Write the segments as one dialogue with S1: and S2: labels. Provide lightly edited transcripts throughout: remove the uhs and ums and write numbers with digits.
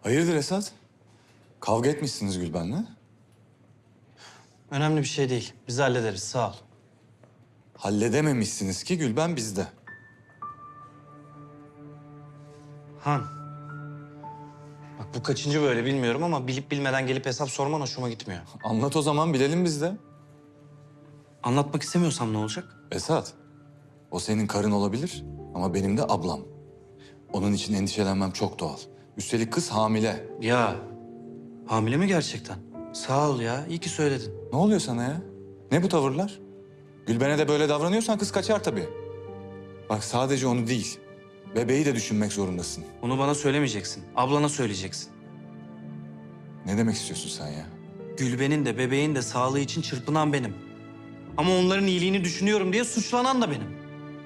S1: Hayırdır Esat? Kavga etmişsiniz Gülben'le.
S2: Önemli bir şey değil. Biz hallederiz, sağ ol.
S1: Halledememişsiniz ki Gülben bizde.
S2: Han. Bak bu kaçıncı böyle bilmiyorum ama bilip bilmeden gelip hesap sorman hoşuma gitmiyor.
S1: Anlat o zaman bilelim biz de.
S2: Anlatmak istemiyorsam ne olacak?
S1: Esat, o senin karın olabilir ama benim de ablam. Onun için endişelenmem çok doğal. Üstelik kız hamile.
S2: Ya, hamile mi gerçekten? Sağ ol ya, iyi ki söyledin.
S1: Ne oluyor sana ya? Ne bu tavırlar? Gülben'e de böyle davranıyorsan kız kaçar tabii. Bak sadece onu değil, bebeği de düşünmek zorundasın.
S2: Onu bana söylemeyeceksin, ablana söyleyeceksin.
S1: Ne demek istiyorsun sen ya?
S2: Gülben'in de bebeğin de sağlığı için çırpınan benim. Ama onların iyiliğini düşünüyorum diye suçlanan da benim.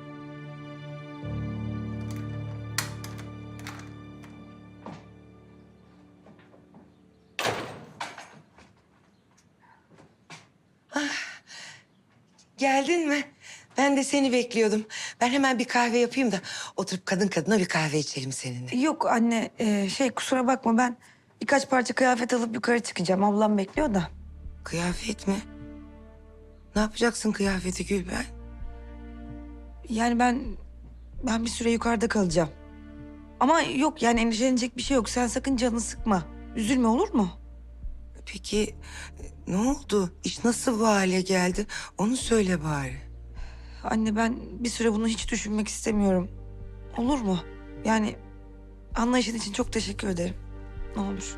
S3: Geldin mi? Ben de seni bekliyordum. Ben hemen bir kahve yapayım da oturup kadın kadına bir kahve içelim seninle.
S4: Yok anne, kusura bakma ben birkaç parça kıyafet alıp yukarı çıkacağım. Ablam bekliyor da.
S3: Kıyafet mi? Ne yapacaksın kıyafeti Gülben?
S4: Yani ben bir süre yukarıda kalacağım. Ama yok yani endişelenecek bir şey yok. Sen sakın canını sıkma. Üzülme olur mu?
S3: Peki ne oldu? İş nasıl bu hale geldi? Onu söyle bari.
S4: Anne ben bir süre bunu hiç düşünmek istemiyorum. Olur mu? Yani anlayışın için çok teşekkür ederim. Ne olur.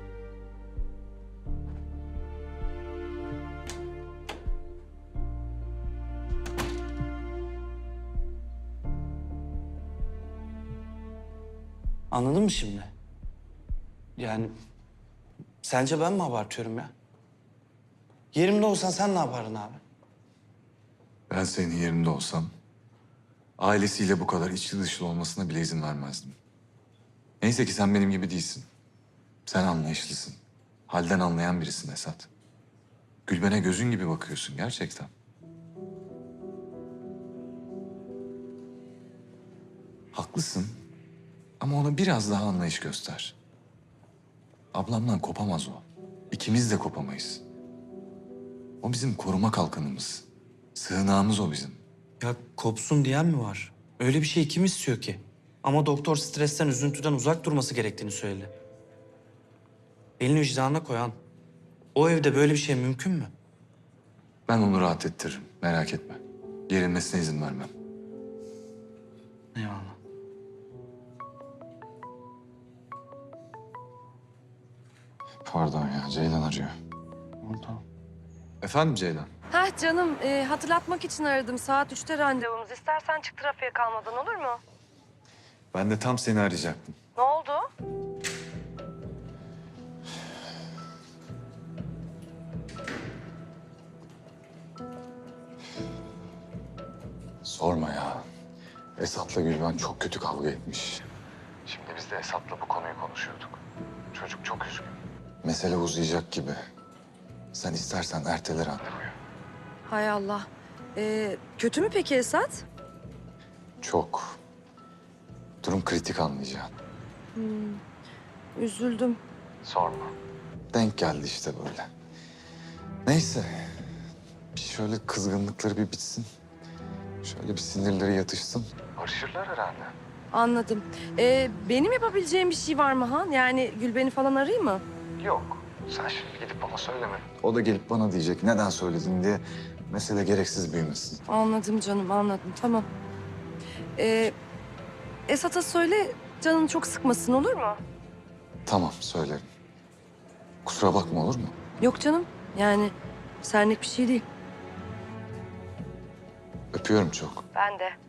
S2: Anladın mı şimdi? Yani sence ben mi abartıyorum ya? Yerimde olsan sen ne yapardın abi?
S1: Ben senin yerinde olsam ailesiyle bu kadar içli dışlı olmasına bile izin vermezdim. Neyse ki sen benim gibi değilsin. Sen anlayışlısın. Halden anlayan birisin Esat. Gülben'e gözün gibi bakıyorsun gerçekten. Haklısın ama ona biraz daha anlayış göster. Ablamdan kopamaz o. İkimiz de kopamayız. O bizim koruma kalkanımız. Sığınağımız o bizim.
S2: Ya kopsun diyen mi var? Öyle bir şey kim istiyor ki? Ama doktor stresten, üzüntüden uzak durması gerektiğini söyledi. Elini vicdanına koyan. O evde böyle bir şey mümkün mü?
S1: Ben onu rahat ettiririm, merak etme. Gerilmesine izin vermem.
S2: Eyvallah.
S1: Pardon ya, Ceylan arıyor.
S2: Tamam.
S1: Efendim Ceylan?
S5: Hah canım, hatırlatmak için aradım. Saat 3'te randevumuz. İstersen çık trafiğe kalmadan olur mu?
S1: Ben de tam seni arayacaktım.
S5: Ne oldu?
S1: Sorma ya. Esat'la Gülben çok kötü kavga etmiş. Şimdi biz de Esat'la bu konuyu konuşuyorduk. Çocuk çok üzgün. Mesele uzayacak gibi. Sen istersen ertele randevuyu.
S5: Hay Allah. Kötü mü peki Esat?
S1: Çok. Durum kritik anlayacaksın.
S5: Üzüldüm.
S1: Sorma. Denk geldi işte böyle. Neyse. Bir şöyle kızgınlıkları bir bitsin. Şöyle bir sinirleri yatışsın. Barışırlar herhalde.
S5: Anladım. Benim yapabileceğim bir şey var mı Han? Yani Gülben'i falan arayayım mı?
S1: Yok. Sen şimdi gidip ona söyleme. O da gelip bana diyecek neden söyledin diye. Mesele gereksiz büyümesin.
S5: Anladım canım, anladım. Tamam. Esat'a söyle, canını çok sıkmasın olur mu?
S1: Tamam söylerim. Kusura bakma olur mu?
S5: Yok canım, yani senlik bir şey değil.
S1: Öpüyorum çok.
S5: Ben de.